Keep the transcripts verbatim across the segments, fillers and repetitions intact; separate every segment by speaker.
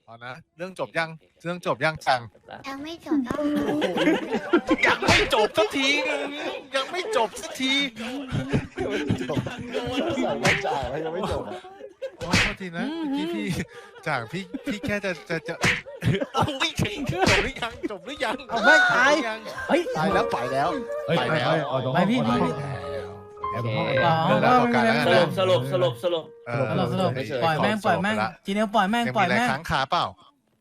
Speaker 1: อนะเรื่องจบยังเรื่องจบยังจัง
Speaker 2: ยังไม่จบก็
Speaker 1: ยังไม่จบสักทียังไม่จบสักที
Speaker 3: จบใส่ไม่จ่ายแล้วยังไม่จบ
Speaker 1: โอ้โทษทีนะเมื่อกี้พี่จ่างพี่พี่แค่จะจะจะโอ้ยจบหรือยังจบหรือยัง
Speaker 4: เอาไม่ตาย
Speaker 1: จบหรือยัง
Speaker 4: เฮ้ย
Speaker 1: ตายแล้วไปแล้ว
Speaker 3: เฮ้ย
Speaker 1: ไป
Speaker 3: ไป
Speaker 1: แล้ว
Speaker 3: ไปเอาตรง
Speaker 4: ไปพี่
Speaker 3: ห้อง
Speaker 4: พี่
Speaker 3: ไปแอบตรงห้อง
Speaker 4: อ๋อ
Speaker 1: เดี๋ยวเราต่อกันแล้ว
Speaker 4: ส
Speaker 1: นะ
Speaker 4: รุป
Speaker 5: สรุปสรุปสรุป
Speaker 1: เออ
Speaker 4: สรุปสรุป
Speaker 1: เฉๆ
Speaker 4: ปล่อยแม่ง
Speaker 1: ข
Speaker 4: ปล่อยแม่ง
Speaker 1: จบไปละ
Speaker 4: จีเนียลปล่อยแม่ง
Speaker 1: ยัง
Speaker 4: ปล่
Speaker 1: มี
Speaker 4: อย
Speaker 1: อะไร
Speaker 4: แม่ง
Speaker 1: ค้างคาเปล่า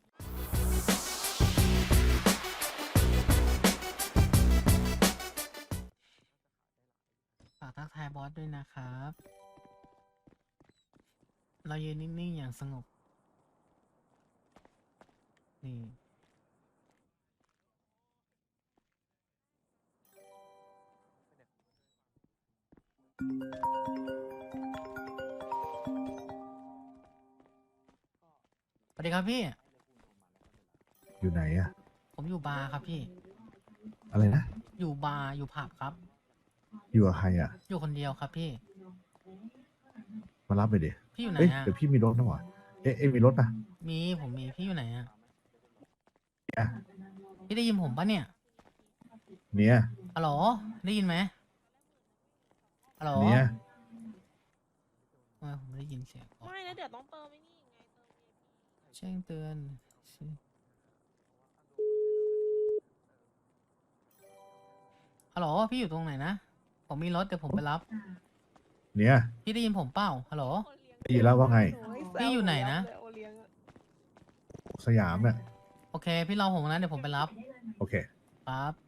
Speaker 4: ฝากทักทายบอสด้วยนะครับ เรายืนนิ่งๆอย่างสงบนี่สวัสดีครับพี่
Speaker 3: อยู่ไหนอะ
Speaker 4: ผมอยู่บาร์ครับพี่
Speaker 3: อะไรนะ
Speaker 4: อยู่บาร์อยู่ผับครับ
Speaker 3: อยู่กับใครอะ
Speaker 4: อยู่คนเดียวครับพี่
Speaker 3: มารับไปดิ
Speaker 4: พี่อยู่ไหน
Speaker 3: เอ้ย
Speaker 4: อะ
Speaker 3: เดี๋ยวพี่มีรถนะวะเอ๊ะเอ๊ะมีรถปะ
Speaker 4: มีผมมีพี่อยู่ไหนอะ
Speaker 3: เนี่ย
Speaker 4: พี่ได้ยินผมปะเนี่ย
Speaker 3: เนี่ย
Speaker 4: ฮัลโหลได้ยินไหมฮัลโหล
Speaker 3: เนี่ย
Speaker 4: ทำไมผมไม่ได้ยินเสียงอ๋อ
Speaker 6: ไม่แล้วเดี๋ยวต้องเติมไอ้นี่ไงเติม
Speaker 4: แจ้งเตือนฮัลโหลพี่อยู่ตรงไหนนะ ผมมีรถเดี๋ยวผมไปรับ
Speaker 3: เนี่ย
Speaker 4: พี่ได้ยินผมเปล่าฮัลโหล
Speaker 3: ได้ยินแล้วว่าไง
Speaker 4: พี่อยู่ไหนนะ
Speaker 6: โอเลี้ยงอะ
Speaker 3: สยามเนี่ย
Speaker 4: โอเค พี่รอผมนะเดี๋ยวผมไปรับ
Speaker 3: โอเค
Speaker 4: ปั๊บ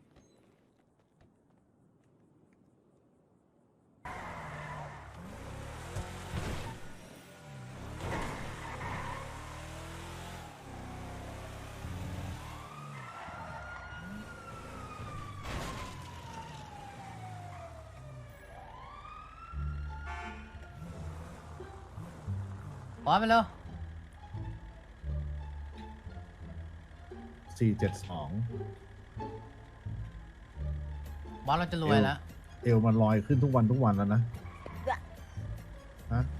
Speaker 4: บอสไปเร็ว
Speaker 3: สี่เจ็ดสอง
Speaker 4: บอสเราจะรวยแล้ว
Speaker 3: เอวมันลอยขึ้นทุกวันทุกวันแล้วนะฮะ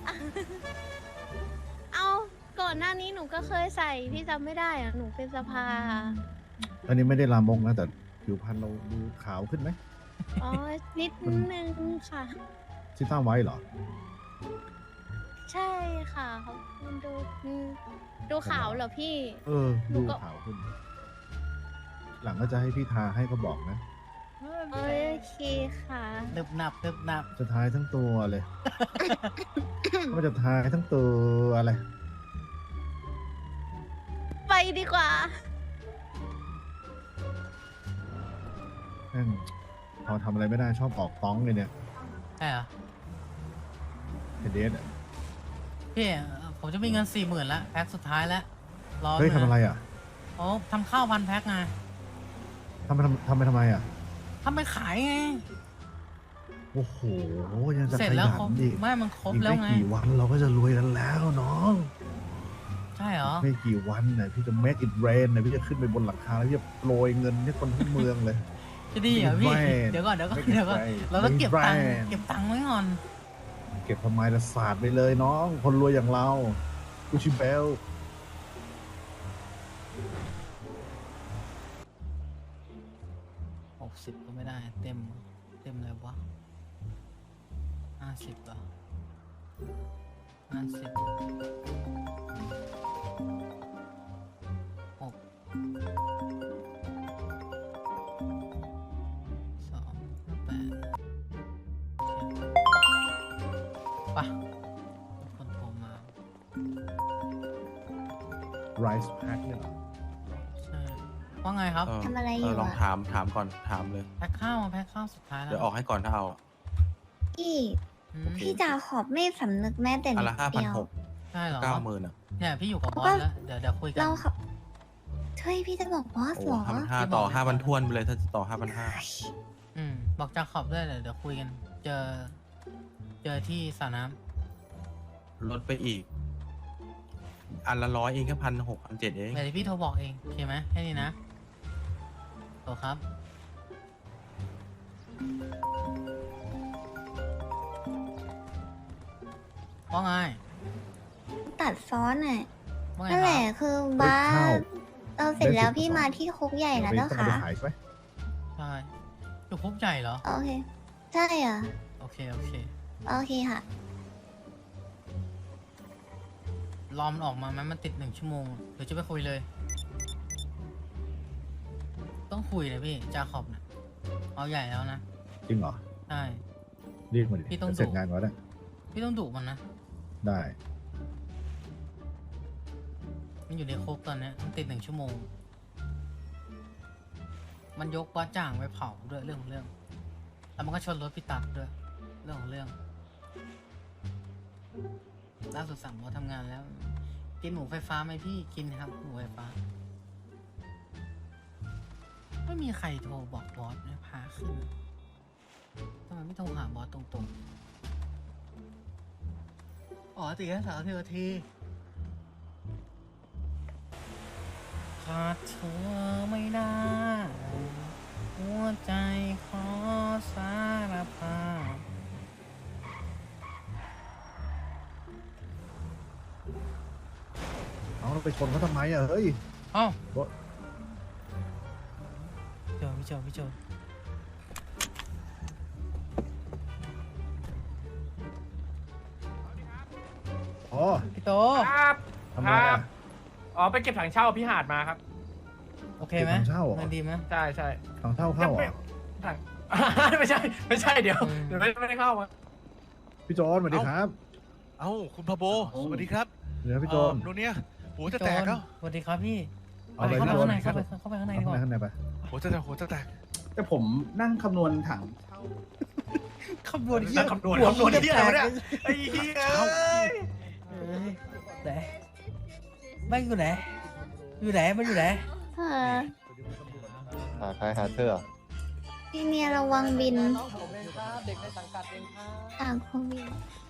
Speaker 2: เอาก่อนหน้านี้หนูก็เคยใส่พี่จำไม่ได้อะหนูเป็นสภา
Speaker 3: อันนี้ไม่ได้ลามกนะแต่ผิวพรรณเราดูขาวขึ้นไหม
Speaker 2: อ๋อนิดนึงค่ะ
Speaker 3: ที่ตั้งไว้เหรอ
Speaker 2: ใช่ค่ะเขามันดูอืมดูขาวเหรอพี่
Speaker 3: เออ ดูขาวขึ้น หลังก็จะให้พี่ทาให้ก็บอกนะ
Speaker 2: โอเคค่ะ
Speaker 4: หนึบหนับหนึบหนับ
Speaker 3: จะทายทั้งตัวเลย ว่าจะทายทั้งตัวอะไร
Speaker 2: ไปดีกว่า
Speaker 3: แม่งพอทำอะไรไม่ได้ชอบออกต้องเลยเนี่ย
Speaker 4: ใช่เหรอ
Speaker 3: เฮเดสอะ
Speaker 4: พี่เอ่อผมจะมีเงินสี่หมื่นแล้วแพ็คสุดท้ายแล้วรอ
Speaker 3: เฮ้ย
Speaker 4: หน่
Speaker 3: ทำอะไรอ่ะ
Speaker 4: โอ้ทำข้าวพันแพ็คไง
Speaker 3: ทำไปทำทำไปทำไมอ่ะ
Speaker 4: ทำไปขายไง
Speaker 3: โอ้โห ยังจะ
Speaker 4: เสร็จ
Speaker 3: ข
Speaker 4: แล้ว
Speaker 3: ยั
Speaker 4: ครบ
Speaker 3: นอีก
Speaker 4: ไม่มันครบ
Speaker 3: อีก
Speaker 4: แล้ว
Speaker 3: ไม่
Speaker 4: ไง
Speaker 3: กี่วันเราก็จะรวยกันแล้วน้อง
Speaker 4: ใช่เหรอ
Speaker 3: ไม่กี่วันเนี่ยพี่จะ make it rain เนี่ยพี่จะขึ้นไปบนหลังคาแล้วพี่จะโปรยเงินให้คนทั้งเมืองเลย
Speaker 4: จะดีเหรอพี่
Speaker 3: ไม่
Speaker 4: เดี๋ยวก่อนเดี๋ยวก่อน
Speaker 3: ไม่
Speaker 4: เดี๋ยวก่อน
Speaker 3: ไม่
Speaker 4: เราต้องเก็บตังค์
Speaker 3: ไม่
Speaker 4: เก็บตังค์ไว้ก่อน
Speaker 3: เก็บทำไมละศาสตร์ไปเลยน้อง คนรวยอย่างเรากูชิเบล
Speaker 4: หกสิบก็ไม่ได้ เต็ม เต็มเลยวะห้าสิบเหรอห้าสิบหกสองแปดปะมีคนโทรมา
Speaker 3: rice pack เนี่ยเหรอ
Speaker 4: ใช่ว่าไงครับ
Speaker 5: เออ
Speaker 2: ทำอะไรอ
Speaker 5: เอยู่ อลอง
Speaker 2: อะ
Speaker 5: ถามถามก่อนถามเลย
Speaker 4: แพ็คข้าวมาแพ็คข้าวสุดท้ายแล้ว
Speaker 5: เดี๋ยวออกให้ก่อนถ้าเอา
Speaker 2: พี่
Speaker 4: อืม
Speaker 2: พี่จาขอบไม่สำนึกแม้แต่
Speaker 5: อัน
Speaker 2: นิ
Speaker 5: ละ
Speaker 2: ด
Speaker 5: ห้าพัน
Speaker 2: เดียว
Speaker 5: หก
Speaker 4: ใช่เหรอ
Speaker 5: เก้าหมื่นอ่ะ
Speaker 4: เนี่ยพี่อยู่กับบอส
Speaker 2: ก็
Speaker 4: แล้ว เดี๋ยวเดี๋ยวคุยกัน
Speaker 2: เราขับเฮ้ยพี่จะบอกบอส
Speaker 5: โอ้
Speaker 2: เหรอ
Speaker 5: ห้าพันห้า
Speaker 4: ที่บอก
Speaker 5: ต่อ
Speaker 4: เลย
Speaker 5: ห้าพันทวนไปเลยถ้าจะต่อห้าพันห้า
Speaker 4: อืมบอกจะขอบด้วยเดี๋ยวเดี๋ยวคุยกัน เจอ เจอที่สระน้
Speaker 5: ลดไปอีก อันละร้อยเองแค่พันหกพันเจ็ดเอง
Speaker 4: ำเดี๋ยวพี่โทรบอกเองโอเคไหมแค่นี้นะโทรครับ ว่าไง
Speaker 2: ตัดซ้อนอ่ะ
Speaker 4: ว่าไง
Speaker 2: นั่น
Speaker 4: ค
Speaker 2: แห
Speaker 4: รั
Speaker 2: ละ
Speaker 4: บ
Speaker 2: คือ
Speaker 3: เฮ้ย
Speaker 2: บ้า
Speaker 3: ข้าว
Speaker 2: สเราเสร็จแล้ว
Speaker 3: ได้สิบ
Speaker 2: พี่
Speaker 3: สอง
Speaker 2: มาที่คุกใหญ่แล้ว
Speaker 3: ไป
Speaker 2: เจ้า
Speaker 3: ต้องเอา
Speaker 2: ค่ะ
Speaker 3: ไปขายใช่ไหม
Speaker 4: ใช่อยู่คุกใหญ่เหรอ
Speaker 2: โอเค ใช่อ่ะ
Speaker 4: โอเค โอเค
Speaker 2: โอเคค่ะ
Speaker 4: รอมันออกมาไหมมันติดหนึ่งชั่วโมงเดี๋ยวจะไปคุยเลย ต้องคุยเลยพี่จาขอบเนี่ยเอาใหญ่แล้วนะ
Speaker 3: จริงเหรอ
Speaker 4: ใช่
Speaker 3: เรียกมาดิ
Speaker 4: พี่ต้อง
Speaker 3: เสร็จ
Speaker 4: ดุ
Speaker 3: งานก่อนนะ
Speaker 4: พี่ต้องดุมันนะ
Speaker 3: ได้
Speaker 4: มันอยู่ในคุกตอนเนี้ยมันติดหนึ่งชั่วโมง มันยกป้าจ่างไปเผาด้วยเรื่องของเรื่อง แล้วมันก็ชนรถพี่ตักด้วย เรื่องของเรื่อง ล่าสุดสั่งเราทำงานแล้ว กินหมูไฟฟ้าไหมพี่ กินครับหมูไฟฟ้า ไม่มีใครโทรบอกบอสนะพาขึ้นทำไมไม่โทรหาบอสตรงๆ อ๋อติดแค่สามสิบนาทีขาดเธอไม่ได้หัวใจขอสารภาพ
Speaker 3: เอาเราไปชนเขาทำไมอ่ะเฮ้ย
Speaker 4: เอ้า
Speaker 3: บอส
Speaker 4: โจพี่โจพี่โจ
Speaker 3: อ๋อ
Speaker 4: พี่โต
Speaker 6: ครับ
Speaker 3: ทำไม
Speaker 6: ครั
Speaker 3: อ่ะ
Speaker 6: บ อ๋อไปเก็บถังเช่าพี่หาดมาครับ
Speaker 4: โอเคไหม
Speaker 3: เก็บถังเช่าเหรอ
Speaker 4: มันดีไหม
Speaker 6: ใช่ใช่
Speaker 3: ทางเท่าเข้าเหร
Speaker 6: ไม่
Speaker 3: อ
Speaker 6: ถัง ไม่ใช่ ไม่ใช่เดี๋ยว
Speaker 4: อืม
Speaker 6: เดี๋ยวไม่ไม่ได้เข้ามา
Speaker 3: พี่โจอนสวัสดีครับ
Speaker 1: เอ้าคุณพาโบสวัสดีครับ
Speaker 3: เดี๋ยวพี่โจน
Speaker 1: เอ่อโนเนียหัวจะแตกแล้ว
Speaker 4: สวัสดีครับพี่
Speaker 3: เอาเลย
Speaker 4: เข้า
Speaker 3: พี่
Speaker 4: ไป
Speaker 3: โจ
Speaker 4: ข้าน งใน
Speaker 3: ครั
Speaker 4: เข้า
Speaker 3: บ
Speaker 4: ไปเข้าไปข้างในดี
Speaker 3: ข้าง
Speaker 4: ก
Speaker 3: ใน
Speaker 4: ว่า
Speaker 3: ข้างในไป
Speaker 1: หัวจะแตกหัวจะแตก
Speaker 7: แต่ผมนั่งคำนวณถัง
Speaker 4: คำนวณเหี้ย
Speaker 6: คำนวณ
Speaker 4: หั
Speaker 6: คำนวณที่อะไรวะเนี่ย
Speaker 4: แตก
Speaker 6: ไอ้เหี้ย
Speaker 4: เอ้ยไหนไม่อยู่ไหน อยู่ไหนมันอยู่ไหน
Speaker 2: เออ
Speaker 8: หาใครหาเธอ
Speaker 2: พี่เนียระวังบิน
Speaker 9: น้องผมเองครับ เด็กในสังกัดเองครับ
Speaker 2: ต่างโควิด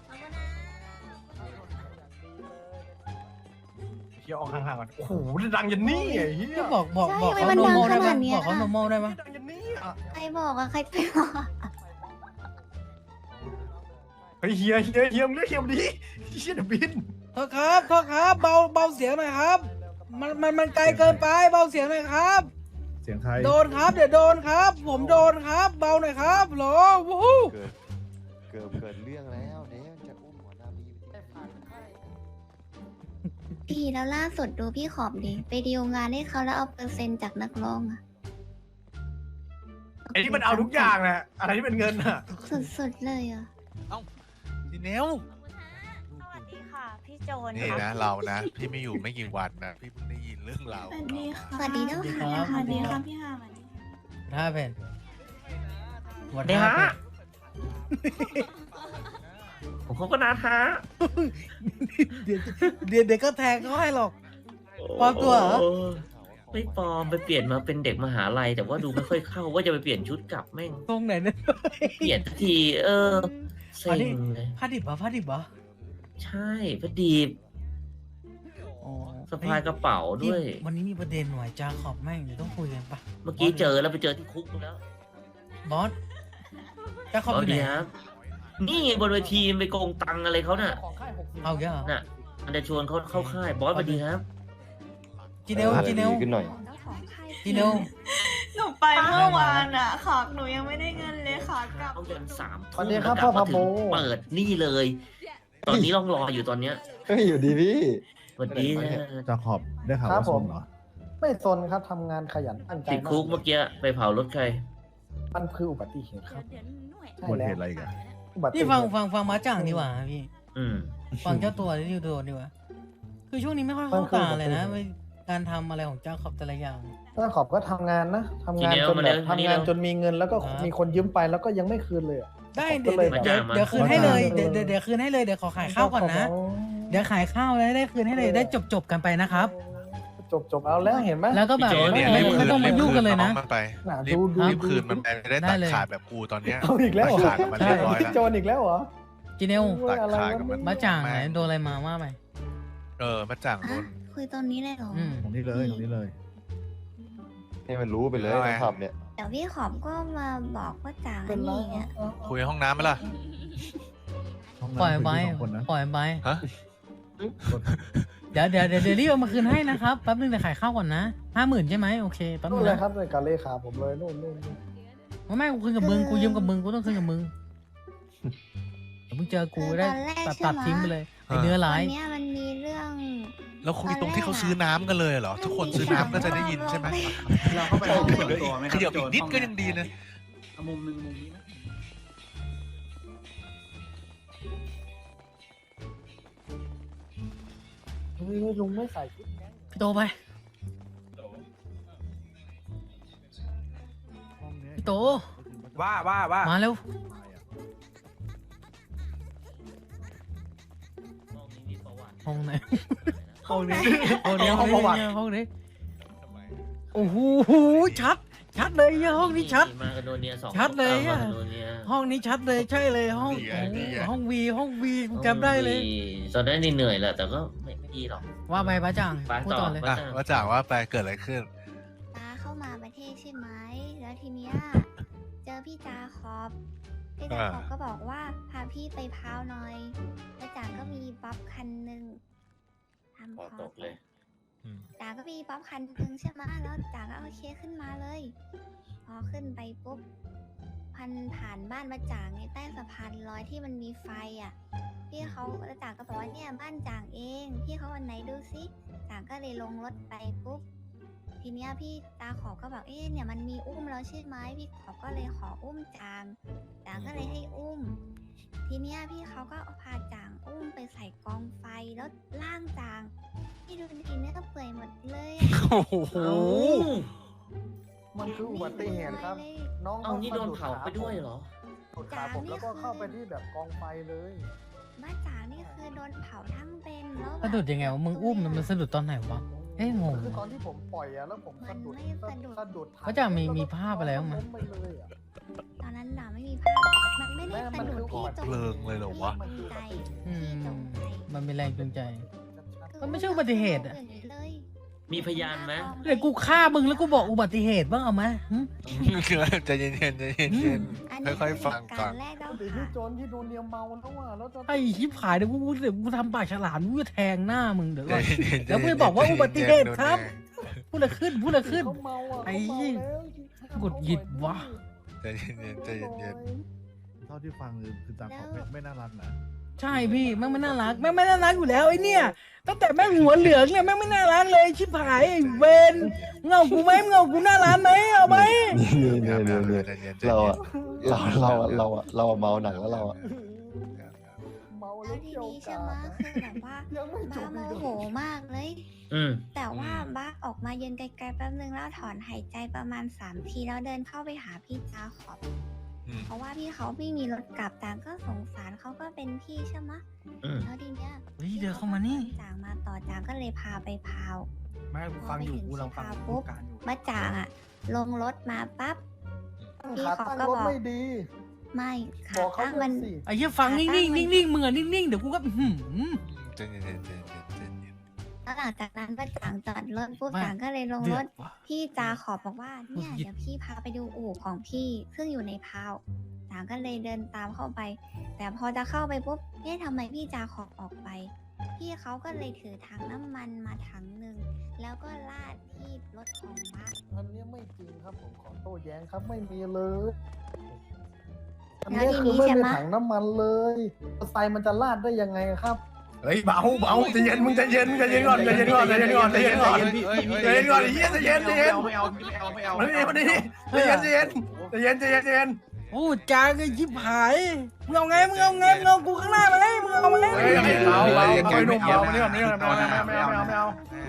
Speaker 6: เหี้ยออกห่างๆก่อนโอ้โหดังยันนี่ไอ้เหี้ย
Speaker 4: ก็บอกบอก
Speaker 2: ใช่
Speaker 4: บอก
Speaker 2: ทำไม
Speaker 4: เขา
Speaker 2: มัน
Speaker 4: โน
Speaker 2: ดัง
Speaker 4: โม
Speaker 2: ข
Speaker 4: ได้ไหม
Speaker 2: นาดเนี้ย
Speaker 4: บอกเขาโนโมได้ไหม
Speaker 6: ดังยันนี่อ่ะ
Speaker 2: ใครบอกอะใครไปบอก
Speaker 6: เฮ้ยเฮียเฮียเฮียมึงเรียกเฮียมาดิเฮียเดี๋ยวบิน
Speaker 4: โทษครับโทษครับเบาเบาเสียงหน่อยครับ มันมันมันไกลเกินไปเบาเสียงหน่อยครับ
Speaker 3: เสียงใคร
Speaker 4: โดนครับเดี๋ยวโดนครับ ผมโดนครับ เบาหน่อยครับโหลวู้ฮู้
Speaker 8: เกิด เกิดเกิดเรื่องแล้วเดี๋ยวจะอุ้มหัวหน้าบีไปที่
Speaker 2: พี่แล้วล่าสุดดูพี่ขอบดิ ไปดีลงานให้เขาแล้วเอาเปอร์เซ็นต์จากนักร้องอะ
Speaker 6: ไอ้นี่มันเอาทุกอย่างแหละอะไรที่เป็นเงินอ่ะ
Speaker 2: สุดๆเลยอะ
Speaker 1: ทีเนว
Speaker 2: สวัสดีค่ะ พี่โจน
Speaker 1: นี่นะเรานะ พี่ไม่อยู่ไม่กี่วันนะพี่เพิ่งได้ยินเรื่องราว
Speaker 2: สวัสดีค่ะสวัสดีเจ้า
Speaker 4: สวัสดีค
Speaker 2: ค่ะ
Speaker 4: รับ
Speaker 2: สวัสดีค่ะพี่ฮาสวัสดี
Speaker 4: ท่าเพนหมด
Speaker 6: เดี๋ยว
Speaker 4: ท่า
Speaker 6: ฮะ
Speaker 4: เพน
Speaker 6: ผมเขาก็นาท้า
Speaker 4: เดี๋ยวเดี๋ยวเดี๋ยวก็แทงเขาให้หรอกปลอมตัวเหรอ
Speaker 10: ไม่ปลอมไปเปลี่ยนมาเป็นเด็กมหาลัยแต่ว่าดูไม่ค่อยเข้าว่าจะไปเปลี่ยนชุดกลับแม่ง
Speaker 4: ตรงไหนเนี่ย
Speaker 10: เปลี่ยนทันที เออเซ็งเลย
Speaker 4: ผ้าดิบเหรอผ้าดิบเหรอ
Speaker 10: ใช่พอดีบ
Speaker 4: อ๋อ
Speaker 10: สะพายกระเป๋าด้วย
Speaker 4: วันนี้มีประเด็นหน่อยจาขอบแม่งเดี๋ยวต้องคุยกันปะ
Speaker 10: เมื่อกี้เจอแล้วไปเจอที่คุกแล้ว
Speaker 4: บอสจาขอบอยู่ไหน
Speaker 10: ดีครับนี่ไงบนเวทีไปโกงตังค์อะไรเขาน่ะ
Speaker 9: ของค่ายหกสิบ
Speaker 4: เอาเยอะเหรอ
Speaker 10: น่ะมันจะชวนเขาเข้าค่ายบอสสวัสดีครับ
Speaker 4: จีเนลจีเนล
Speaker 8: ขึ้นหน่อย
Speaker 4: จีเนล
Speaker 11: หนูไปเมื่อวานอ่ะขากหนูยังไม่ได้เงินเลยขากลับ
Speaker 10: เขายันสาม
Speaker 9: สวั
Speaker 10: ทุ่
Speaker 9: ส
Speaker 10: ม
Speaker 9: ดีครับ
Speaker 10: แล้วกลับ
Speaker 9: พ่อ
Speaker 10: มา
Speaker 9: พา
Speaker 10: ถึ
Speaker 9: โบ
Speaker 10: งเปิดนี่เลย ตอนนี้ต้องรออยู่ตอนเนี้ย
Speaker 8: เฮ้ย อยู่ดีพี่
Speaker 10: สวัสดีนะ
Speaker 3: จาขอบได้ข่าว
Speaker 9: ครับ
Speaker 3: ว่า
Speaker 9: ผ
Speaker 3: ส่
Speaker 9: ม
Speaker 3: งเหรอ
Speaker 9: ไม่สนครับทำงานขยันตั้งใจ
Speaker 10: ติดคุกเมื่อกี้ไปเผารถใคร
Speaker 9: มันคืออุบัติเหตุครับ ใช่
Speaker 3: บน
Speaker 9: แล้
Speaker 3: เห
Speaker 9: ว
Speaker 3: ตุอะไรกัน
Speaker 9: อุบัติเห
Speaker 4: นี่
Speaker 9: ตุ
Speaker 4: ฟังฟังฟังมาจ่างดีกว่าพี่
Speaker 10: อืม
Speaker 4: ฟังเจ้าตัวที่โดนดีกว่า คือช่วงนี้ไม่ค่อยเข้าตาเลยนะไม่การทำอะไรของเจ้าขอบแต่ละอย่าง
Speaker 9: ถ้าขอบก็ทำงานนะทำงาน
Speaker 10: ทีเดียว
Speaker 9: จน
Speaker 10: มา
Speaker 9: แบ
Speaker 10: เร็
Speaker 9: บ
Speaker 10: ว
Speaker 9: ทำ
Speaker 10: ทีเดี
Speaker 9: งาน
Speaker 10: ยว
Speaker 9: จนมีเงินแล้วก็
Speaker 4: ครับ
Speaker 9: มีคนยืมไปแล้วก็ยังไม่คืนเลยอะ
Speaker 4: ได้
Speaker 9: ผม
Speaker 4: เดี๋ยว
Speaker 9: ก็เลย
Speaker 4: เดี๋ยว
Speaker 9: แบบ
Speaker 4: เดี๋ยวเดี๋ยวคืนให้เลยเดี๋ยวเดี๋ยวเดี๋ยวคืนให้เลยเดี๋ยวขอขายข้าวก่อนนะ เดี๋ยวขายข้าวแล้วได้คืนให้เลยได้จบจบกันไปนะครับ
Speaker 9: จบจบเอาแล้วเห็นไหม
Speaker 4: แล้วก็แบบ
Speaker 1: พี่โจเนี่ย
Speaker 4: ไม่
Speaker 1: รีบ
Speaker 4: ไม่
Speaker 1: คืน
Speaker 4: ต้องมา
Speaker 1: รีบ
Speaker 4: ยุ่ง
Speaker 1: คื
Speaker 4: กัน
Speaker 1: น
Speaker 4: เลย
Speaker 1: น้อ
Speaker 4: นะ
Speaker 1: งมันไป
Speaker 9: น่ะ
Speaker 1: รีบ
Speaker 9: ดูดู
Speaker 1: รีบคืนมันไปจะได้
Speaker 4: ได้
Speaker 1: ตัด
Speaker 4: เลย
Speaker 1: ขาดแบบกูตอนเนี้ย
Speaker 9: เอาอีกแล้วเหรอ
Speaker 1: ตัดขาดกับมันเรียบร้อย
Speaker 9: พี่
Speaker 1: แล้ว
Speaker 9: โจนอีกแล้วเหรอ
Speaker 4: จีเนล
Speaker 9: โอ้ยอะไร
Speaker 1: ตัดขาด
Speaker 9: วะ
Speaker 1: กับมัน
Speaker 4: มาจ่างไหนโดนอะไรมาว่าไป
Speaker 1: เออมาจ่างโด
Speaker 2: อ่ะ
Speaker 1: น
Speaker 2: คุยตอนนี้เลยเหรอ
Speaker 4: อืม
Speaker 3: ตรงนี้เลยตรงนี้เลย
Speaker 8: ให้มันรู้ไปเลย
Speaker 1: เอาไง
Speaker 8: นะครับเนี่ย
Speaker 2: เดี๋ยวพี่ขอบก็มาบอกว่าจ่าง
Speaker 9: เป็
Speaker 2: อั
Speaker 9: น
Speaker 2: น
Speaker 9: ไร
Speaker 2: นี้อ่ะ
Speaker 1: คุยในห้องน้ำไหมล่ะ
Speaker 3: ห้อง
Speaker 4: ปล่อย
Speaker 3: น้ำ
Speaker 4: ไป
Speaker 3: คุยที่สองคนนะ
Speaker 4: ปล่อยไป
Speaker 1: ฮะ
Speaker 4: เดี๋ยวเดี๋ยวเดี๋ยวเดี๋ยวรีบเอามาคืนให้นะครับแป๊บนึงเดี๋ยวขายข้าวก่อนนะห้าหมื่นใช่ไหมโอเคแป๊บนึ
Speaker 9: นู่น
Speaker 4: ง
Speaker 9: เลย
Speaker 4: นะครับ
Speaker 9: เลยกับเลขาผมเลยนู่นนู่นนู่น
Speaker 4: ไม่ไม่กูคืนกับมึงกูยืมกับมึงกูต้องคืนกับมึงเดี๋ยวมึงเจอกูได้
Speaker 2: ตอนแรก
Speaker 4: ตัด
Speaker 2: ใช่
Speaker 4: ตัด
Speaker 2: ไหม
Speaker 4: ทิ้งไปเลยไอเนื้อร้า
Speaker 2: วั
Speaker 4: ย
Speaker 2: นเนี้ยมันมีเรื่อง
Speaker 1: แล้วคุยตรงที่เขาซื้อน้ำกันเลยเหรอ ทุกคนซื้อน้ำก็จะได้ยินใช่ไหม
Speaker 7: เราเข้าไปห้องส่วนตัวไหมค
Speaker 1: ข
Speaker 7: รับ
Speaker 1: ยับอีกนิดก็ยังดีนะ
Speaker 7: เอามุมหนึ่งมุมนี้นะ
Speaker 9: เฮ้ยลุงไม่ใส่ชุดแก๊ง
Speaker 4: พี่โตไป
Speaker 3: ห้องเนี้ย
Speaker 4: พี่โต
Speaker 6: ว่าว่าว่า
Speaker 4: มาเร็ว ห้องไหน
Speaker 6: ห้องนี้
Speaker 4: ห้องนี้
Speaker 6: ห้องประวัติ
Speaker 4: ห้องนี้โอ้โหชัด ชัดเลยห้องนี้ชัด
Speaker 10: มากันโดเนียสอง
Speaker 4: ชัดเลยอะ
Speaker 10: มากันโดเนีย
Speaker 4: ห้องนี้ชัดเลยใช่เลยห้อง
Speaker 1: นี่ไง
Speaker 4: โอ้โห
Speaker 1: นี่ไง
Speaker 4: ห้องวีห้องวีกูจำได้เลย
Speaker 10: ตอนนั้นนี่เหนื่อยแหละแต่ก็ไม่ไม่ดีหรอก
Speaker 4: ว่าไปป้าจัง
Speaker 10: ไป
Speaker 4: พูด
Speaker 10: ต่อ
Speaker 4: ต่อเลย
Speaker 1: อ่ะว่าจากว่าไปเกิดอะไรขึ้น
Speaker 2: ตาเข้ามาประเทศใช่ไหม แล้วทีเนี้ยเจอพี่จาขอบพี่จาขอบก็บอกว่าพาพี่ไปพาวหน่อยแล้วจ่าก็มีป๊อปคันหนึ่งทำ
Speaker 10: พอ
Speaker 2: พอ
Speaker 10: ตกเลย
Speaker 2: จ่าก็มีป๊อปคันหนึ่งใช่ไหมแล้วจ่าก็โอเคขึ้นมาเลย พอขึ้นไปปุ๊บพันผ่านบ้านมาจ่างในใต้สะพานลอยที่มันมีไฟอ่ะ พี่เขาแล้วจ่าก็บอกว่าเนี่ยบ้านจ่างเอง พี่เขาวันไหนดูซิจ่างก็เลยลงรถไปปุ๊บ ทีเนี้ยพี่ตาขอบก็บอกเอ๊ะเนี่ยมันมีอุ้มแล้วใช่ไหมพี่ขอบก็เลยขออุ้มจางจางก็เลยให้อุ้ม ทีเนี้ยพี่เขาก็เอาพาจางอุ้มไปใส่กองไฟแล้วล่างจางพี่ดูทีเนี้ยก็เปื่อยหมดเลยอะ
Speaker 1: โอ้โห
Speaker 9: มันคืออุบัติเหตุครับ
Speaker 2: ไม่
Speaker 9: น้อง
Speaker 10: เอานี่โดนเผาไปด้วยเหรอ
Speaker 9: ดูดขาผมแล้วก็เข้าไปที่แบบกองไฟเลย
Speaker 2: บ้านจางนี่คือโดนเผาทั้งเป็นแล้วแบบ
Speaker 4: สะดุดยังไงวะมึงอุ้มมันมันสะดุดตอนไหนวะ เอ๊ะงง
Speaker 9: คือตอนที่ผมปล่อยอะแล้วผมสะดุด
Speaker 2: มันไม่สะดุด
Speaker 9: สะดุด
Speaker 4: เขาจะมีมีภาพอะไรบ้างไหม
Speaker 9: ล้มไปเลยอะ
Speaker 2: ตอนนั้นด่าไม่มีภาพมันไม่ได้สะดุดพี่จง
Speaker 1: เพลิงเลยเหรอวะ
Speaker 2: พี่จงใจ
Speaker 4: อืม
Speaker 2: พี่จงใจ
Speaker 4: มันเป็นแรงจูงใจ
Speaker 9: ชัด
Speaker 4: มันไม่ใช่อุบัติเหตุอะ
Speaker 2: ย่างนี้เลย
Speaker 10: มีพยานไหม
Speaker 4: เดี๋ยวกูฆ่ามึงแล้วกูบอกอุบัติเหตุบ้างเอาไหมหึ
Speaker 1: ใจเย็นๆใจเย็น
Speaker 2: อันนี้
Speaker 1: ๆค่อยๆฟังก่อน
Speaker 2: เหตุารณ์แรกแล้ว
Speaker 9: ๆหรือ
Speaker 2: ค่ะ
Speaker 9: ที่โจรที่โดนเนียมเมาแล้วอะแล้วจะ
Speaker 4: ไอ้ชิบหายเดี๋ยวกูเดี๋ยวกูทำปากฉลามกูจะแทงหน้ามึงเดี๋ยว
Speaker 1: ใจ
Speaker 4: ก่อน
Speaker 1: เย็นๆ
Speaker 4: แล้วไม่บอกว่าอุบัติเหตุครับ พูดอะไรขึ้นพูดอะไรขึ้น
Speaker 9: เขาเมาอะ
Speaker 4: ไอ้
Speaker 9: เขาเมาแล้ว
Speaker 4: หงุดหงิดวะ
Speaker 1: ใจเย็นๆใจเย็น
Speaker 3: เท่าที่ฟังคือคือตาขอบไม่ไม่น่ารักนะ
Speaker 4: ใช่พี่แม่งไม่น่ารักแม่งไม่น่ารักอยู่แล้วไอ้เนี่ยตั้งแต่แม่งหัวเหลืองเนี่ยแม่งไม่น่ารักเลยชิบหายไอ้เวนเงากูไหมเงากูน่ารักไหมเอาไหม
Speaker 1: ๆ
Speaker 8: เนี่ยเนี่ยเนี่ย
Speaker 1: ใจเย็นๆใจ
Speaker 8: เรา
Speaker 1: เย็
Speaker 8: อะ
Speaker 1: น
Speaker 8: เราเราอะเราอะเราอะเมาหนักแล้วเราอะ
Speaker 9: เมา
Speaker 2: แล้
Speaker 9: แล้ว ว
Speaker 2: ที
Speaker 9: เกี่ยว
Speaker 2: นี้ใช่
Speaker 9: กา
Speaker 2: ไหม
Speaker 9: ด
Speaker 2: คือแบบว่า
Speaker 9: ยังไม่จ
Speaker 2: บ้า
Speaker 9: บ
Speaker 2: โม
Speaker 9: อีก
Speaker 2: โหมากเลย
Speaker 10: อืม
Speaker 2: แต่ว่าบ้าออกมายืนไกลๆแป๊บนึงแล้วถอนหายใจประมาณสามทีแล้วเดินเข้าไปหาพี่จาขอบ
Speaker 1: อืม
Speaker 2: เพราะว่าพี่เขาไม่มีรถกลับต่างก็สงสารเขาก็เป็นพี่ใช่ไหม
Speaker 10: อืม
Speaker 2: แล้วทีเนี้ย
Speaker 4: เฮ้ยเดินเข้ามานี่
Speaker 2: จางมาต่อจางก็เลยพาไปพาว
Speaker 6: ไม่กูฟังอยู่กูลองฟัง
Speaker 2: พอไปถึง
Speaker 6: กูการอยู่
Speaker 2: มาจางอะลงรถมาปั๊บ พี่
Speaker 9: ขา
Speaker 2: เขา
Speaker 9: ตั้ง
Speaker 2: ก็
Speaker 9: รถ
Speaker 2: บอก
Speaker 9: ไม่ดี
Speaker 2: ไม่ขา
Speaker 9: บอกเขา
Speaker 2: ตั้ง
Speaker 9: ด้ว
Speaker 2: มั
Speaker 9: ย
Speaker 2: น
Speaker 9: สิ
Speaker 4: ไอ้เหี้ยฟังนิ่งๆนิ่งๆมึงอะนิ่งๆเดี๋ยวกูก็หืม
Speaker 1: ใจเย็นๆใจเย็นๆใจเย็น
Speaker 2: แล้วหลังจากนั้นป้าจางจอดรถปุ๊บ
Speaker 4: ไม่
Speaker 2: จางก็เลยลง
Speaker 4: เดื
Speaker 2: ร
Speaker 4: อ
Speaker 2: ถ
Speaker 4: ดว่ะ
Speaker 2: พี่จาขอบอกว่าเนี่ย
Speaker 4: หงุดหงิด
Speaker 2: เดี๋ยวพี่พาไปดูอู่ของพี่ซึ่งอยู่ในพาวจางก็เลยเดินตามเข้าไป แต่พอจะเข้าไปปุ๊บเอ๊ะทำไมพี่จาขอออกไป พี่เขาก็เลยถือถังน้ำมันมาถังหนึ่งแล้วก็ลาดที่รถของบ้า
Speaker 9: อันนี้ไม่จริงครับผมขอโต้แย้งครับไม่มีเลย อัน
Speaker 2: แล้ว
Speaker 9: นี้
Speaker 2: ที
Speaker 9: คือ
Speaker 2: นี้
Speaker 9: ไม่
Speaker 2: ใช่
Speaker 9: มี
Speaker 2: ไหม
Speaker 9: ถังน้ำมันเลยมอเตอร์ไซค์มันจะลาดได้ยังไงครับ
Speaker 6: เฮ้ยเบาเบาใจเย็นมึงใจเย็นมึงใจเย็นก่อนใจเย็นก่อนใจเย็นก่อนใจเย็นก่อน
Speaker 5: พี่พี่พี่
Speaker 6: ใจเย็นก่อนไอ้เหี้ยใจเย็นใจเย็น
Speaker 7: ไม่เอาไม่เอาไม่เอา
Speaker 6: มา
Speaker 7: ไม่
Speaker 6: นี่
Speaker 7: เอา
Speaker 6: มานี่ใจเย็นใจเย็นใจเย็นใจเย็นใจเย็น
Speaker 4: โอ้จางไอ้ชิบหายมึงเอาไงมึงเอาไงมึงเอากูข้างหน้าไหมมึงเอาไหม
Speaker 6: เฮ้ยเบาเบาเอาไปหนุ่มเบามานี่ก่อนนี่ก่อนไม่เอาไม่เอาไม่เอาไม่เอา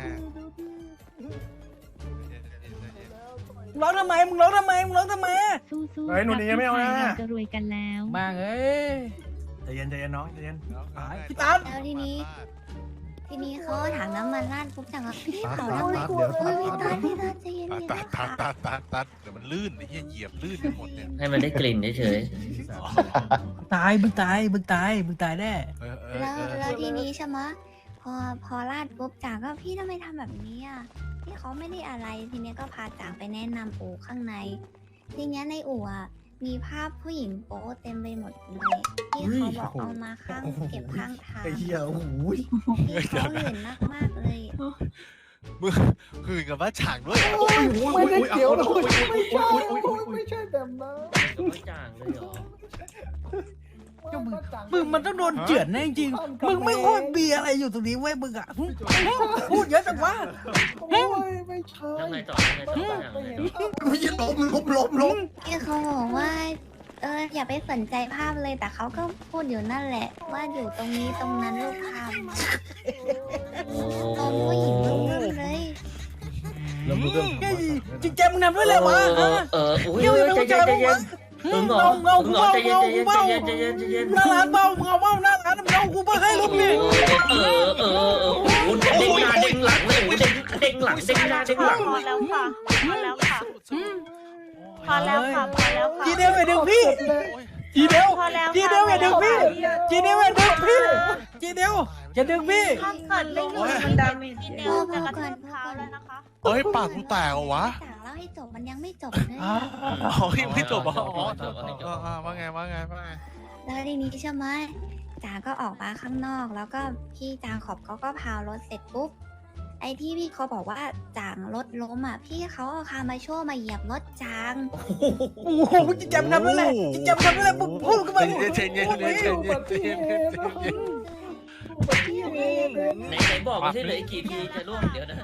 Speaker 1: ๆ
Speaker 4: มึงร้องทำไมมึงร้องทำไมมึงร้องทำไม
Speaker 11: สู้ๆ
Speaker 6: เฮ้ยหนูหนีไม่เอานะ
Speaker 11: จะรวยกันแล้ว
Speaker 4: บ้างเอ้ย
Speaker 6: ใจเย็นใจเย็นน้องใจเย็น
Speaker 4: พี่ตั๊ด
Speaker 2: แล้วทีนี้ ทีนี้เขาเอาถังน้ำมันราดปุ๊บจางก็พี่
Speaker 3: ตัด
Speaker 2: เผา
Speaker 3: ตั
Speaker 2: แล้ว
Speaker 3: ดตัดเดี๋ยว
Speaker 2: เฮ้
Speaker 3: ตั
Speaker 2: ย
Speaker 3: ด
Speaker 2: พี่
Speaker 3: ตั
Speaker 2: ตั
Speaker 3: ด
Speaker 2: ดพี่ตัดใจเย็น
Speaker 1: ตัด
Speaker 2: ๆ
Speaker 1: ตัด
Speaker 2: ค่ะ
Speaker 1: ตัดตัดตัดเดี๋ยวมันลื่นไอ้เหี้ยเหยียบลื่นไปหมดเนี่ย
Speaker 10: ให้มันได้กลิ่นเฉย
Speaker 4: ตายมึงตายมึงตายมึงตายแน่
Speaker 1: เออเออ
Speaker 2: แล้ว
Speaker 1: เออ
Speaker 2: แล้วทีนี้ใช่ไหมพอพอลาดปุ๊บจ่างก็พี่ทำไมทำแบบนี้อ่ะพี่เขาไม่ได้อะไรทีเนี้ยก็พาจ่างไปแนะนำอู่ข้างใน ทีเนี้ยในอู่อ่ะมีภาพผู้หญิงโป๊เต็มไปหมดเลยที่เขาบอกเอามาข้างเก็บข้างทาง
Speaker 3: ไอ้เหี้ยโอ้โห
Speaker 2: ที่เขาหื่นมากๆเลย
Speaker 1: มึงหื่นกับว่าฉางด้วยเหรอ
Speaker 9: ไม่ได้เกี่ยวนะไม่ใช่ไม่ใช่แบบนั้น
Speaker 10: ไม่จ่างเลยเหรอ
Speaker 4: มึงมันต้องโดนเจือนแน่จริงๆมึงไม่ควรมีอะไรอยู่ตรงนี้เว้ยมึงอ่ะหึพูดเยอะจังวะ
Speaker 9: โอ้ยไม่ใช่
Speaker 10: แล้วไงต่อยังไงต่อยังไงต่อ
Speaker 3: ไม่ใช่ล้มล้มล้มล้ม
Speaker 2: ที่เขาบอกว่า เอออย่าไปสนใจภาพเลยแต่เขาก็พูดอยู่นั่นแหละ ว่าอยู่ตรงนี้ตรงนั้นรูปภาพตรงผู้หญิงรูปนั้นเลย
Speaker 3: แล้วมึงก็
Speaker 4: เฮ้ยจริงๆมึงทำด้วยอะไรวะ
Speaker 10: เออเอออุ้ยใจเย็นใจเย็นมึงเหรอ
Speaker 4: เงา
Speaker 10: มึง
Speaker 4: เงา
Speaker 10: เหรอ
Speaker 4: เงา
Speaker 10: ใจเย็นใจ
Speaker 4: เงา
Speaker 10: เย็นใจเย็นใจเย็นใจเย็น
Speaker 4: หน้าร้านเบาเงาเบาหน้าร้านเงากูเพื่อให้ลูกนี่
Speaker 10: เออเออเออโอ้เด้งหน้าเด้งหลังเลยโอ้เด้งเด้งหลังเด้งหน้าเด้งหลัง
Speaker 11: พอแล้วค่ะพอแล้วค่ะพอแล้วค่ะพอแล้วค่ะ
Speaker 4: จีเดียวอย่าดึงพี่จีเดียว
Speaker 11: พอแล้ว
Speaker 4: จีเดียวอย่าดึงพี่จีเดียวอย่าดึงพี่จีเดียวอย่าดึงพี่
Speaker 11: ถ้าเกิดไม่อยู่มันดาเมจทีเดียวจะกระทืบเท้าแล้วนะคะ
Speaker 1: เฮ้ยปากกูแตกเหรอวะ
Speaker 2: จากเล่าให้จบมันยังไม่จบเลย
Speaker 4: อ๋อ
Speaker 1: อ๋อยังไม่จบเหรออ๋ออ๋อว่าไงว่าไงว่าไง
Speaker 2: แล้วทีนี้ใช่ไหมจ๋าก็ออกมาข้างนอก แล้วก็พี่จางขอบเขาก็พาวรถเสร็จปุ๊บไอ้ที่พี่เขาบอกว่าจางรถล้มอ่ะพี่เขาเอาคามาโชว์มาเหยียบรถจาง
Speaker 4: โอ้โหจิจำทำนั่นแหละจิจำทำนั่นแหละมึงพูดกันมา
Speaker 1: ใจเย็นใจเย็นใจเย็นใจเย็นใจเย็น
Speaker 10: ไหนไหนบอกมาสิเหลืออีกกี่ทีจะร่วงเดี๋ยวนะ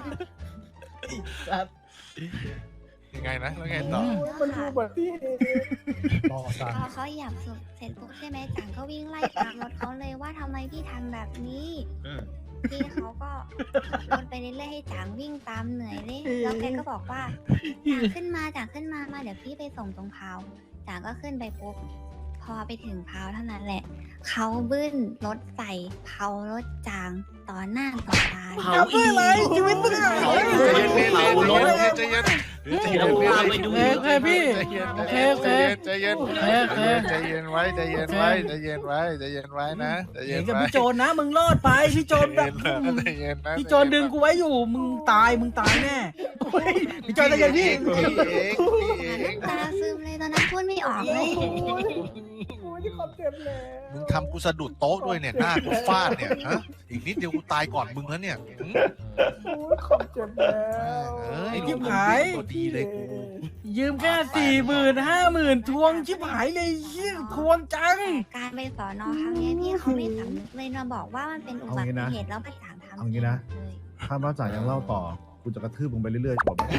Speaker 1: ยังไงนะแล้วไงต่อ
Speaker 9: มันดูแบบที่ต่อสั่ง
Speaker 2: พอเขาเหยียบเสร็จปุ๊บใช่ไหมจางก็วิ่งไล่ตามรถเขาเลยว่าทำไมพี่ทำแบบนี้
Speaker 10: อืม
Speaker 2: พี่เขาก็ขับรถไปเรื่อยๆให้จางวิ่งตามเหนื่อยเลยแล้วแกก็บอกว่าจางขึ้นมาจางขึ้นมามาเดี๋ยวพี่ไปส่งตรงพาวจางก็ขึ้นไปปุ๊บพอไปถึงพาวเท่านั้นแหละเขาบึ้นรถใส่เผารถจางต่อหน้าต่อตา
Speaker 10: เผา
Speaker 4: ทำด้วยอะไรชีวิตมึงอะ
Speaker 1: ใจเย็นใจเย็นใจเย็นใจเย็น
Speaker 10: เราพาไปดู
Speaker 4: โอเคพี่โอเคโอเค
Speaker 1: ใจเย็นใจเย็นไว้ใจเย็นไว้ใจเย็นไว้ใจเย็นไว้นะใจเย็
Speaker 4: เห็
Speaker 1: น
Speaker 4: นกับ
Speaker 1: ไว้
Speaker 4: พี่โจรนะมึงรอดไปพี่โจรแบบ
Speaker 1: ใจเย็นนะ
Speaker 4: พี่โจรดึงกูไว้อยู่มึงตายมึงตายแน่เฮ้ยพี่โจรใจเย็นพี่
Speaker 1: พี่เองพี่เอง
Speaker 2: ตาซึมเลยตอนนั้นพูดไม่ออกเลย
Speaker 9: โอ้ยที่ขอบเจ็บแล้ว
Speaker 1: มึงทำกูสะดุดโต๊ะด้วยเนี่ยหน้ากูฟาดเนี่ยฮะอีกนิดเดียวกูตายก่อนมึงแล้วเนี่ย
Speaker 9: โอ้ยขอบเจ็บแล้ว
Speaker 1: เอ้ย
Speaker 4: ชิบหาย
Speaker 1: ตัวดีเลยกู
Speaker 4: ยืมแค่สี่หมื่นห้าหมื่นทวงชิบหายเลยเยี่ยทวงจัง
Speaker 2: การไปสอนอครั้งนี้พี่เขาไม่สำนึกเลยมาบอกว่ามันเป็นอุบัติเหตุแล้วประจางทำ
Speaker 3: เอางี้นะ
Speaker 2: เลย
Speaker 3: ถ้าบ้าจ่ายยังเล่าต่อกูจะกระทืบมึงไปเรื่อยๆจบไหม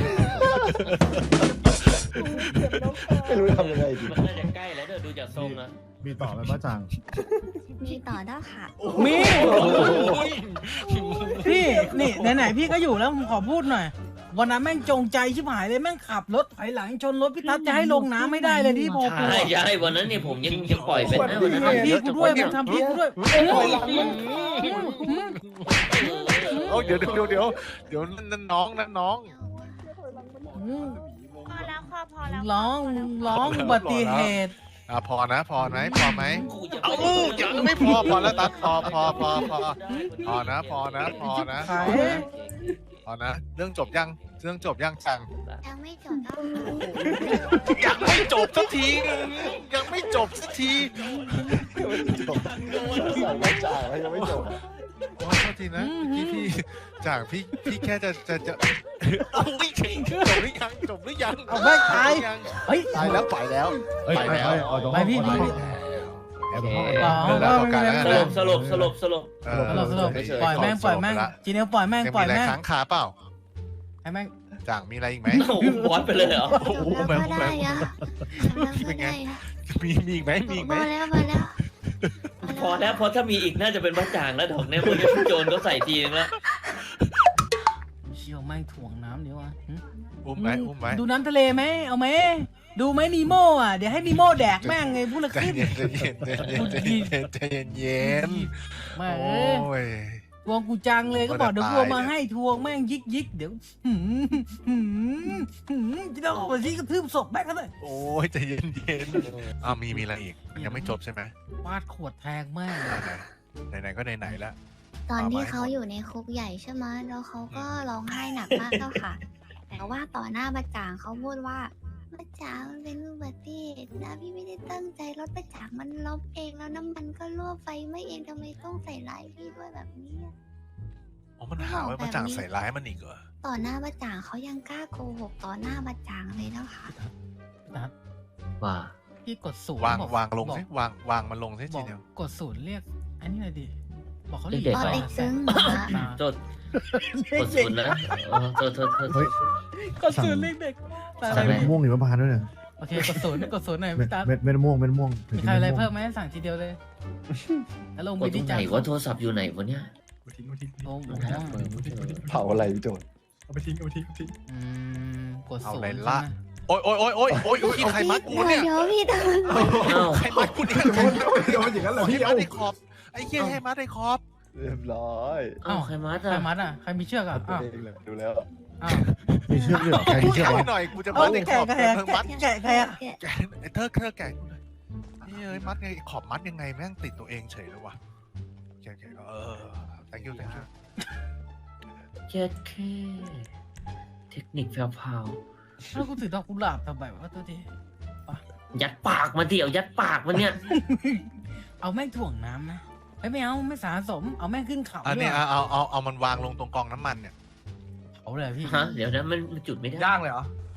Speaker 8: ไม่รู้ทำยังไงดี
Speaker 10: มันน่าจะใกล้แล้วเดี๋ยวดูจากทรงอะ
Speaker 3: มีต่อไหมบ้าจ่าง
Speaker 2: มีต่อเด้าค่ะ
Speaker 4: มีพี่นี่ไหนๆพี่ก็อยู่แล้วผมขอพูดหน่อยวันนั้นแม่งจงใจชิบหายเลยแม่งขับรถถอยหลังชนรถพี่ทัศน์จะให้ลงน้ำไม่ได้เลยที่พอกู
Speaker 10: ใช่ใช่วันนั้นเนี่ยผมยังยังปล่อยเป็นนะวันนั้น
Speaker 4: ทำพี่กูด้วยมึงทำพี่กูด้วย
Speaker 1: โอ้เดี๋ยวเดี๋ยวเดี๋ยวเดี๋ยวนั่นน้องนั่นน้อง
Speaker 11: พอแล้วค่ะพอแล้ว
Speaker 4: ร้องร้องอุบัติเหตุ
Speaker 1: อ่ะพอนะพอไหมพอไหม
Speaker 10: กูจะ
Speaker 1: เอายังไม่พอพอแล้วตัดพอพอพอพอพอนะพอนะพอนะ
Speaker 4: ขาย
Speaker 1: พอนะเรื่องจบยังเรื่องจบยังจัง
Speaker 2: ยังไม่จบเด้าค่ะ
Speaker 1: ยังไม่จบสักทียังไม่จบสักที
Speaker 8: จบใส่ไม่จ่ายแล้วยังไม่จบ
Speaker 1: โอ้โทษทีนะพี่พี่จากพี่พี่แค่จะจะจะเอาไม่จริงจบหรือยังจบหรือยัง
Speaker 4: เอาไม่ตาย
Speaker 1: ยัง
Speaker 4: เฮ้ย
Speaker 1: ตายแล้วไปแล้ว
Speaker 3: เฮ้ย
Speaker 1: ไป
Speaker 3: ไป
Speaker 1: แล้ว
Speaker 3: ไปออกจาก
Speaker 4: ไป
Speaker 3: ห้อง
Speaker 4: พี่
Speaker 3: ก่อน
Speaker 4: พี่
Speaker 3: ไปแอบห้อง
Speaker 4: อ๋อ
Speaker 1: เดี๋ยวเราต่อกันแล้ว
Speaker 10: ส
Speaker 1: นะ
Speaker 10: ลบสลบสลบสลบ
Speaker 1: เออ
Speaker 4: สลบสลบปล่อยแม่งปล่อยแม่งจีเนียปล่อยแม่ง
Speaker 1: ยัง
Speaker 4: ปล่
Speaker 1: มี
Speaker 4: อย
Speaker 1: อะไร
Speaker 4: แม่ง
Speaker 1: ค้างคาเปล่า
Speaker 4: ให้แม่ง
Speaker 1: จ่างมีอะไรอีกไหม
Speaker 10: โอ้โหบอสไปเลยเหรอ
Speaker 2: จบแล้วก็ได้อะจบแล้วก็ได้อะ
Speaker 1: มีมีอีกไหมมีอีกไห
Speaker 2: พ
Speaker 1: ม
Speaker 2: อแล้วพอแล้ว
Speaker 10: พอแล้วเพราะถ้ามีอีกน่าจะเป็นบ้าจ่างแล้วดอกเนี่ยพวกนี้พี่โจรก็ใส่ทีนึงแล้ว
Speaker 4: เชี่ยวแม่งถ่วงน้ำเดี๋ยวอ่ะ
Speaker 1: อุ้มไหมอุ้มไหม
Speaker 4: ดูน้ำทะเลไหมเอาไหมดูไหมนีโม่อ่ะเดี๋ยวให้นีโม่แดกแม่งไงพูดละ
Speaker 1: ใจ
Speaker 4: ขึ้น
Speaker 1: เย็นใจเย็นใจเย็นใจเย็นใจเย็นเย็น
Speaker 4: แม่
Speaker 1: โอ
Speaker 4: เอ้ย้
Speaker 1: ย
Speaker 4: ทวงกูจังเลยก็บอก
Speaker 1: ก็จะ
Speaker 4: เดี๋ยวกูเอามา
Speaker 1: ตาย
Speaker 4: ให้ทวงแม่งยิกยิกเดี๋ยวหืมหืมหืมจะต้องเอาไปที่กระทืบศพแม่งก็เลย
Speaker 1: โอ้ยใจเย็นเย็นอ้าวมีมีอะไรอีกยังไม่จบใช่ไหม
Speaker 4: ฟาดขวดแทงแม่ง
Speaker 1: ไหนไหนๆก็ไหนๆแล้ว
Speaker 2: ตอนที่
Speaker 1: เอาไว้
Speaker 2: เขาอยู่ในคุกใหญ่ใช่ไหมแล้วเขาก็ร้องไห้หนักมากเจ้าค่ะ แต่ว่าต่อหน้าประจางเขาพูดว่าป้าจ๋ามันเป็นอุบัติเหตุนะพี่ไม่ได้ตั้งใจรถป้าจ๋ามันลบเองแล้วน้ำมันก็รั่วไฟไหม่เองทำไมต้องใส่ร้ายพี่ด้วยแบบนี้อะ
Speaker 1: อ๋อมันหาว่ามาจ่างใส่ร้ายมันอีกเหรอ
Speaker 2: ต่อหน้าป้าจ๋าเขายังกล้าโกหกต่อหน้าป้าจ๋าเลยนะคะ
Speaker 4: นัด
Speaker 10: ว่า
Speaker 4: พี่กดศูนย์
Speaker 1: วาง
Speaker 4: บอก
Speaker 1: วางลง
Speaker 4: บอก
Speaker 1: สิวางวางมันลงสิ
Speaker 4: บ
Speaker 1: ที
Speaker 4: อก
Speaker 1: เดียว
Speaker 4: กดศูนย์เรียก อันนี้หน่อยดิ บอกเขา
Speaker 10: เรียกเด็ก
Speaker 2: ตอน
Speaker 10: ไป
Speaker 2: เด็กซึ้งเหรอคะ
Speaker 4: อ่า
Speaker 10: โทษกดศูนย์นะเออโทษโทษโทษ
Speaker 3: เฮ้ย
Speaker 4: กดศูนย์เรียกเด็กแต่อะไร
Speaker 3: สั่ง
Speaker 4: ไหม
Speaker 3: มะม่วงหิมพานต์ด้วยเนี่ย
Speaker 4: โอเคกดศูนย์กดศูนย์หน่อย
Speaker 3: เม็ด
Speaker 4: พี่ตั๊ด
Speaker 3: เม็ดเม็ดมะม่วงเม็ดมะม่วงถึง
Speaker 4: มี
Speaker 3: กิน
Speaker 4: ใครอะไร
Speaker 3: มะม่ว
Speaker 4: เพิ่
Speaker 3: ง
Speaker 4: มไหมสั่งทีเดียวเลยแล้วลง
Speaker 10: ก
Speaker 4: ไป
Speaker 10: ดตร
Speaker 4: ที่
Speaker 10: งไหน
Speaker 4: จาน
Speaker 10: ว่าโทรศัพท์อยู่ไหนวะเนี่ย
Speaker 6: เอาทิ้งเอาทิ้ง
Speaker 4: โอ้โห
Speaker 8: เผาอะไรพี่โจน
Speaker 6: เอาไปทิ้งเอาไปทิ้งเอาไปทิ้ง
Speaker 4: อืมกด
Speaker 1: เอา
Speaker 4: ศูน
Speaker 1: เลย
Speaker 4: ย์
Speaker 1: ละ
Speaker 4: ใช่ไหม
Speaker 1: โอ้ยโอ้ยโอ้ยโอ้ยโอ้ยพี่ใครมัดกูเนี่ย
Speaker 2: เดี๋ยวพี่ตอน
Speaker 10: เอ้า
Speaker 1: ใครมัดกูเนี่ย
Speaker 6: โดนโดนโดนอย่างนั้นเหรอ
Speaker 1: ให้
Speaker 6: พี่
Speaker 1: มั
Speaker 6: เอา
Speaker 1: ดไอ้ขอบไอ้เหี้ยให้มัดไอ้ขอบ
Speaker 8: เรียบร้อย
Speaker 10: เอ้าใครมัด
Speaker 4: ใคร
Speaker 10: อ่ะ
Speaker 4: มัดอ่ะใครมีเชือกอ่ะ
Speaker 8: ตัว
Speaker 4: อ้าว
Speaker 8: เองเลยดูแล้ว
Speaker 4: อ้าว
Speaker 3: มีเชือกด้วยเหรอใครมีเชือก
Speaker 1: แกะ
Speaker 3: วะ
Speaker 1: หน่อยกูจะ
Speaker 4: เอา
Speaker 1: มัดไอ้ข
Speaker 4: แกะ
Speaker 1: อบ
Speaker 4: แกะ
Speaker 1: เธอมัด
Speaker 4: แกะใครอ่ะ
Speaker 2: แกะ
Speaker 1: แกะไอ้เธอเธอแกะกูหน่อยเฮ้ยมัดไงขอบมัดยังไงแม่งติดตัวเองเฉยเลยวะแกะแกะเออ thank you thank you
Speaker 10: แค่แค่เทคนิคแพรว
Speaker 4: แล้วกูถือดอกกุหลาบทำไมวะตัวที
Speaker 10: ๆยัดปากมันดิเอายัดปากมันเนี่ย
Speaker 4: เอาแม่งถ่วงน้ำนะเอ้ยไม่เอาไม่สะสมเอาแม่งขึ้นเขา
Speaker 1: อัน
Speaker 4: ด้ว
Speaker 1: นี้
Speaker 4: ย
Speaker 1: เอาเอาเอาเอามันวางลงตรงกองน้ำมันเนี่ย
Speaker 4: เอาเลยพี่
Speaker 10: ฮะเดี๋ยวนะมันมันจุดไม่ได้
Speaker 6: ย่างเลยเหรอ